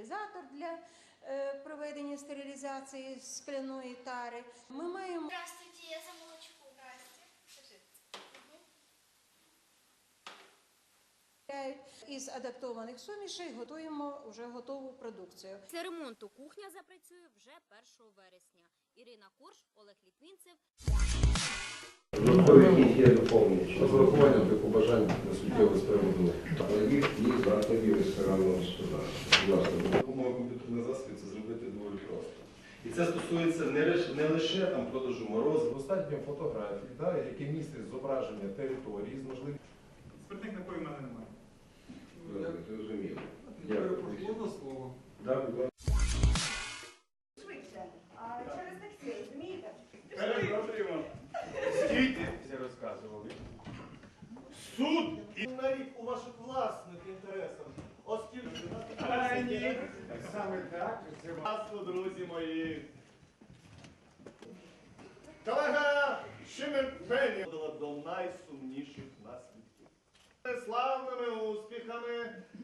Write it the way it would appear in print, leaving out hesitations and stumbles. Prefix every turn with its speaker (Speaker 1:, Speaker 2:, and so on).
Speaker 1: стерилізатор для проведення стерилізації скляної тари. Ми маємо
Speaker 2: Здравствуйте, я за молочку.
Speaker 1: із адаптованих сумішей готуємо вже готову продукцію.
Speaker 3: Після ремонту кухня запрацює вже 1 вересня. Ірина Корж, Олег Літвінцев.
Speaker 4: Є доповнення. Розрахування для побажань на суттєву з приводу їх і закладів ресторанного господарства.
Speaker 5: Допомога комп'ютерних засобів це зробити доволі просто. І це стосується не лише там продажу морозу.
Speaker 4: Достатньо фотографій, які містять зображення території з можливістю.
Speaker 6: Спиртних напоїв в мене немає.
Speaker 4: Зрозуміло.
Speaker 6: Можна слово?
Speaker 7: Швидше. А через таксі, розумієте?
Speaker 6: Перепрошуємо. Стійте, всі розказували.
Speaker 8: Суд і на рік у ваших власних інтересах, оскільки
Speaker 6: Ні, саме так. Це
Speaker 8: власно, друзі мої. Колега Шимерпені до найсумніших наслідків. Славними успіхами